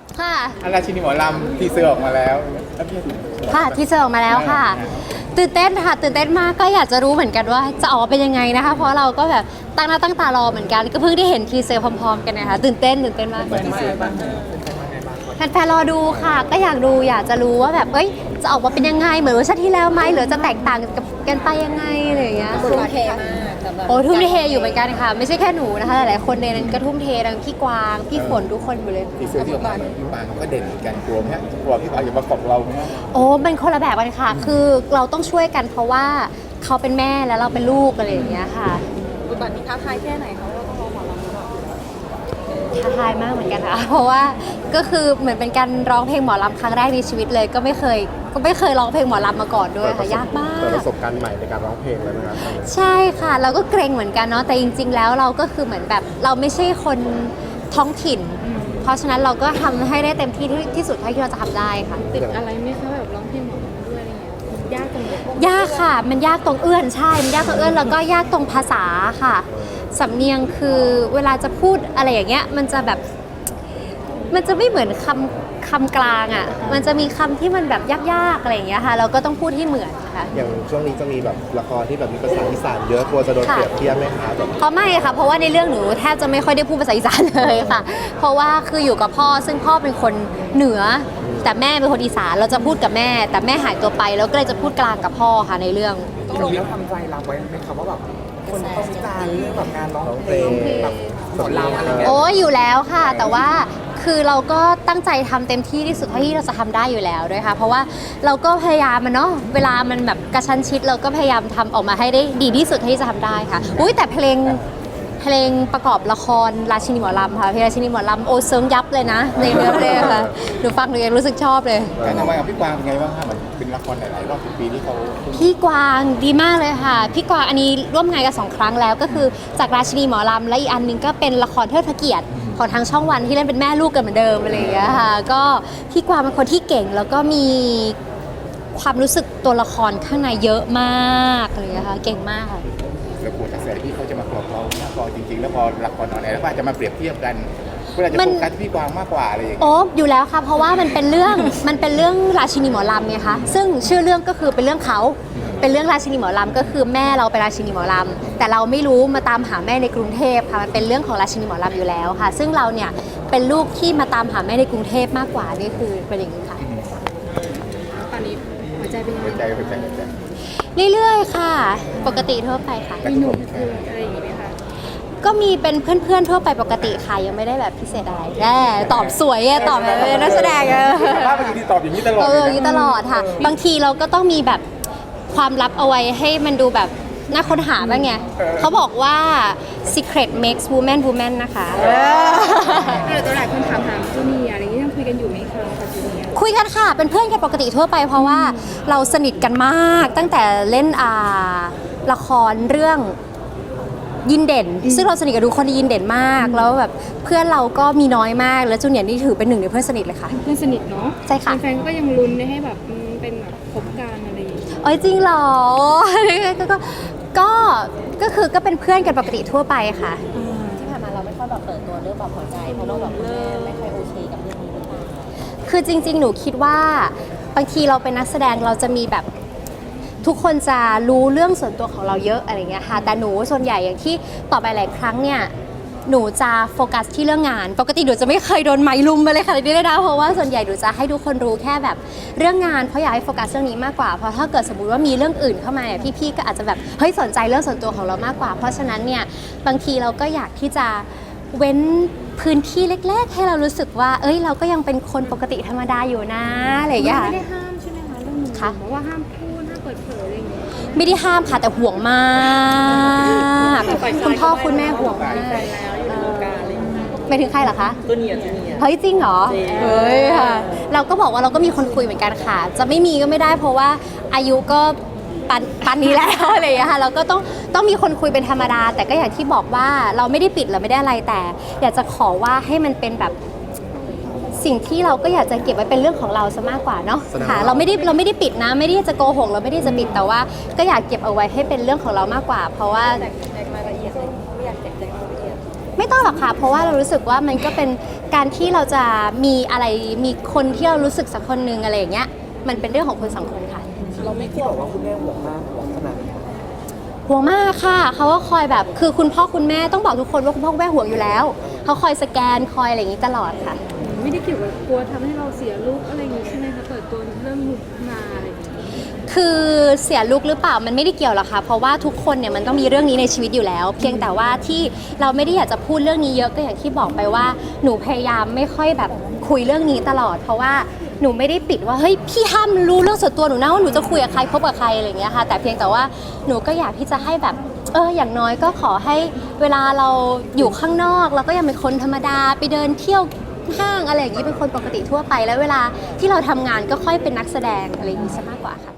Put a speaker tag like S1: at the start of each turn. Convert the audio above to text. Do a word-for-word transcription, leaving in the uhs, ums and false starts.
S1: ค่ะ
S2: อาราชินีหมอลำทีเซอร์ออกมาแล้ว
S1: ค่ะที่เจอออกมาแล้วค่ะตื่นเต้นค่ะตื่นเต้นมากก็อยากจะรู้เหมือนกันว่าจะออกมาเป็นยังไงนะคะเพราะเราก็แบบตั้งหน้าตั้งตารอเหมือนกันก็เพิ่งได้เห็นทีเซอร์พร้อมๆกันนะคะตื่นเต้นตื่นเต้นมากแฟนๆรอดูค่ะก็อยากดูอยากจะรู้ว่าแบบเอ้ยจะออกมาเป็นยังไงเหมือนเวอร์ชันที่แล้วไหมหรือจะแตกต่างกับกันไปยังไงอะไรอย่างเงี้ย
S3: ทุ่มเทมากสำหรับ
S1: โอ้ทุ่มเทอยู่เหมือนกันค่ะไม่ใช่แค่หนูนะคะหลายๆคนในนั้นก็ทุ่มเททั้งพี่กวางพี่ฝนทุกคนอยู่เลย
S2: ทีเซอร์ที่ออกมาพี่ปางก็เด่นเหมือนกันกลัวไหมฮะกลัวพี่ปางอย่ามาขอบเราไหมฮะ
S1: โอ้เป็นคนละแบบกันค่ะ คือเราต้องช่วยกันเพราะว่าเขาเป็นแม่แล้วเราเป็นลูกอะไรอย่างเงี้ยค่ะ
S3: บทบาทนี้ท้าทายแค่ไหนเขาก็ต้องรอหมอลำหรือเปล่า
S1: ท้าทายมากเหมือนกันค่ะ เพราะว่าก็คือเหมือนเป็นการร้องเพลงหมอลำครั้งแรกในชีวิตเลย ก็ไม่เคยก็ไม่เคยร้องเพลงหมอลำมาก่อนด้วยค่ะยากมาก
S4: เปิดประสบการณ์ใหม่ในการร้องเพลงเลยนะครับ
S1: ใช่ค่ะเราก็เกรงเหมือนกันเนาะแต่จริง ๆ แล้วเราก็คือเหมือนแบบเราไม่ใช่คนท้องถิ่น เพราะฉะนั้นเราก็ทำให้ได้เต็มที่ที่ที่สุดเท่าที่เราจะทำได้ค่ะ
S3: ติดอะไรไหมคะแบบร้องเพลงหมอลำด้วยอะไรเงี้ยยากตรงไหน
S1: ยากค่ะ มันยากตรงเอื้อนใช่ มันยากตรงเอื้อนแล้วก็ยากตรงภาษาค่ะ สำเนียงคือเวลาจะพูดอะไรอย่างเงี้ย มันจะแบบ มันจะไม่เหมือนคำคำกลางอ่ะ มันจะมีคำที่มันแบบยากๆอะไรอย่างเงี้ยค่ะ เราก็ต้องพูดให้เหมือนค่ะ
S4: อย่างช่วงนี้จะมีแบบละครที่แบบมีภาษาอีสานเยอะกลัวจะโดน
S1: ค่ะ
S4: เปรียบเทียบไหมคะแบบ
S1: เพราะไม่ค่ะ เพราะว่าในเรื่องหนูแทบจะไม่ค่อยได้พูดภาษาอีสานเลยค่ะ เพราะว่าคืออยู่กับพ่อซึ่งพ่อเป็นคนเหนือ แต่แม่เป็นคนอีสาน เราจะพูดกับแม่ แต่แม่หายตัวไปแล้วก็เลยจะพูดกลางกับพ่อค่ะในเรื่อง
S5: ต้องเราทำใจรับไว้ไหมครับว่าแบบคนเขาวิจารณ์เรื่องแบบการร้องเพลงแบบหมอลำอะไรเงี้ย
S1: โอ้ยอยู่แล้วค่ะ แต่ว่าคือเราก็ตั้งใจทำเต็มที่ที่สุดเท่าที่เราจะทำได้อยู่แล้วด้วยค่ะ เพราะว่าเราก็พยายามมันเนาะเวลามันแบบกระชั้นชิดเราก็พยายามทำออกมาให้ได้ดีที่สุดเท่าที่จะทำได้ค่ะอุ้ยแต่เพลงเพลงประกอบละครราชินีหมอลำค่ะเพลงราชินีหมอลำโอเซิงยับเลยนะในเนื้อเพลงค่ะหนูฟังหนูยังรู้สึกชอบเลย
S2: การทำงานกับพี่กวางเป็นไงบ้างคะเหมือนเป็นละครหลายๆรอบสิบปีที่เขา
S1: พี่กวางดีมากเลยค่ะ พี่กวางอันนี้ร่วมงานกันสองครั้งแล้วก็คือจากราชินีหมอลำและอีกอันหนึงก็เป็นละครเทิดพระเกียรติของทางช่องวันที่เล่นเป็นแม่ลูกกันเหมือนเดิมอะไรอย่างเงี้ยค่ะก็พี่กวางเป็นคนที่เก่งแล้วก็มีความรู้สึกตัวละครข้างในเยอะมากอะไรอย่างเงี้ยค่ะเก่งมากค่ะ
S2: แล้วกลัวกระแสที่เขาจะมาขอบเราเนี่ยพอจริงๆ แล้วพอละครออนแอร์แล้วก็อาจจะมาเปรียบเทียบกันก็อาจจะ
S1: มัน
S2: โฟกัสที่พี่กวางมากกว่าอะไรอย่างเงี้ย
S1: โอ้อยู่แล้วค่ะเพราะว่ามันเป็นเรื่อง มันเป็นเรื่องราชินีหมอลำไงคะซึ่งชื่อเรื่องก็คือเป็นเรื่องเขาเป็นเรื่องราชินีหมอลำก็คือแม่เราเป็นราชินีหมอลำแต่เราไม่รู้มาตามหาแม่ในกรุงเทพค่ะมันเป็นเรื่องของราชินีหมอลำอยู่แล้วค่ะ ซึ่งเราเนี่ยเป็นลูกที่มาตามหาแม่ในกรุงเทพมากกว่านี่คือเป็นอย่างนี้ค่ะ
S3: ตอนนี้หัวใจเป็นยัง
S2: หัว
S3: ไง
S2: ใจหัวใจหัวใจ
S1: เรื่อยๆค่ะ ปกติทั่วไปค่ะ
S2: มีหนุ่ม
S3: อะไรอย่างงี้ไหมคะ
S1: ก็มีเป็นเพื่อนๆทั่วไปปกติค่ะยังไม่ได้แบบพิเศษอะไรแน่ตอบสวยอะตอบแบบเป็นนักแสดงอะ
S2: ภาพเมื่อกี้ที่ตอบอย่างนี้ตลอด
S1: เอ
S2: เล
S1: อย อย่างนี้
S2: นะ
S1: ตลอดค่ะ บางทีเราก็ต้องมีแบบความลับเอาไว้ให้มันดูแบบน่าค้นหาบ้างไงเขาบอกว่า secret makes woman woman นะคะ
S3: แต่ตัวหลายคนถามหาจูเนียร์อะไรอย่างงี้ยังคุยกันอยู่ไหมคะกับจูเนียร์
S1: คุยกันค่ะ เป็นเพื่อนกันปกติทั่วไปเพราะว่าเราสนิทกันมากตั้งแต่เล่นอ่าละครเรื่องยินเด่น ซึ่งเราสนิทกับทุกคนในยินเด่นมาก แล้วแบบเพื่อนเราก็มีน้อยมาก แล้วจูเนียร์นี่ถือเป็นหนึ่งในเพื่อนสนิทเลยค่ะ
S3: เพื่อนสนิทเนาะ
S1: ใช่ค่ะ
S3: แฟนๆก็ยังลุ้นให้แบบอืมเป็นแบบคบกันอะไรอย่างงี้
S1: เอ้ยจริงเหรอ ก็ก็ก็คือก็เป็นเพื่อนกันปกติทั่วไปค่ะ
S6: ที่ผ่านมาเราไม่ค่อยแบบเปิดตัวเรื่องแบบหัวใจเพราะว่าแบบคุณแม่ไม่ค่อยโอเคกับเรื่องนี้หรือเปล่า
S1: คือจริง ๆ หนูคิดว่าบางทีเราเป็นนักแสดงเราจะมีแบบทุกคนจะรู้เรื่องส่วนตัวของเราเยอะอะไรเงี้ยค่ะ แต่หนูส่วนใหญ่อย่างที่ตอบไปหลายครั้งเนี่ยหนูจะโฟกัสที่เรื่องงาน ปกติหนูจะไม่เคยโดนไม้ลุมมาเลยค่ะนี่เลยนะเพราะว่าส่วนใหญ่หนูจะให้ทุกคนรู้แค่แบบเรื่องงานเพราะอยากให้โฟกัสเรื่องนี้มากกว่าเพราะถ้าเกิดสมมติว่ามีเรื่องอื่นเข้ามาเนี่ยพี่ๆก็อาจจะแบบเฮ้ยสนใจเรื่องส่วนตัวของเรามากกว่า เพราะฉะนั้นเนี่ยบางทีเราก็อยากที่จะเว้นพื้นที่เล็กๆ ให้เรารู้สึกว่าเอ้ยเราก็ยังเป็นคนปกติธรรมดาอยู่นะอะไรอย่างเงี้ย
S3: ไม่ได้ห้ามใช่ไหมคะเรื่องหนู
S1: ค่ะ
S3: บอกว่าห้ามพูดห้ามเปิดเผยอะไรอย่างเงี้ย
S1: ไม่ได้ห้ามค่ะแต่ห่วงมากคุณพ่อคุณแม่ห่วงมาก
S3: แฟนแล้วอยู่ในวงการอะไรอย่างเงี้ย
S1: ไม่ถึงใครเหรอคะ
S6: ตัวเนียตัวเนีย
S1: เฮ้ยจริงเหรอ
S6: จริง
S1: เฮ้ยค่ะ เราก็บอกว่าเราก็มีคนคุยเหมือนกันค่ะ จะไม่มีก็ไม่ได้เพราะว่าอายุก็ปันปันนี้แล้ว อะไรอย่างเงี้ยค่ะเราก็ต้องต้องมีคนคุยเป็นธรรมดา แต่ก็อย่างที่บอกว่าเราไม่ได้ปิดเราไม่ได้อะไรแต่ อยากจะขอว่าให้มันเป็นแบบสิ่งที่เราก็อยากจะเก็บไว้เป็นเรื่องของเราซะมากกว่าเนาะค่ะเราไม่ได้เราไม่ได้ปิดนะ ไม่ได้จะโกหกเราไม่ได้จะปิดแต่ว่าก็อยากเก็บเอาไว้ให้เป็นเรื่องของเรามากกว่า เพราะว่า
S6: แจกรายละเอียดเลยไม่อยากแจกแจงรายละเอียด
S1: ไม่ต้องหรอกค่ะ เพราะว่าเรารู้สึกว่ามันก็เป็นการที่เราจะมีอะไรมีคนที่เรารู้สึกสักคนหนึ่งอะไรอย่างเงี้ยมันเป็นเรื่องของคนสองคนค่ะ
S5: เราไม่ที่บอกว่าคุณแม่ห่วงมากห่วงขนาดไหน
S1: ห่วงมากค่ะเขาก็คอยแบบคือคุณพ่อคุณแม่ต้องบอกทุกคนว่าคุณพ่อคุณแม่ห่วงอยู่แล้วเขาคอยสแกนคอยอะไรอย่างนี้ตลอดค่ะ
S3: ไม่ได้เกี่ยวกับกลัวทำให้เราเสียลุคอะไรอย่างงี้ใช่ไหมคะเปิดตัวเรื่องลุคมาอะไรอย่างเงี้ย
S1: คือเสียลุคหรือเปล่ามันไม่ได้เกี่ยวหรอกค่ะเพราะว่าทุกคนเนี่ยมันต้องมีเรื่องนี้ในชีวิตอยู่แล้ว เพียงแต่ว่าที่เราไม่ได้อยากจะพูดเรื่องนี้เยอะก็อย่างที่บอกไปว่าหนูพยายามไม่ค่อยแบบคุยเรื่องนี้ตลอด เพราะว่าหนูไม่ได้ปิดว่าเฮ้ยพี่ห้ามรู้เรื่องส่วนตัวหนูนะว่าหนูจะคุยกับใครคบกับใครอะไรอย่างเงี้ยค่ะแต่เพียงแต่ว่าหนูก็อยากที่จะให้แบบเอออย่างน้อยก็ขอให้เวลาเราอยู่ข้างนอกเราก็ยังเป็นคนธรรมดาไปเดินเที่ยวห้างอะไรอย่างนี้เป็นคนปกติทั่วไปแล้วเวลาที่เราทำงานก็ค่อยเป็นนักแสดงอะไรอย่างนี้ซะมากกว่าค่ะ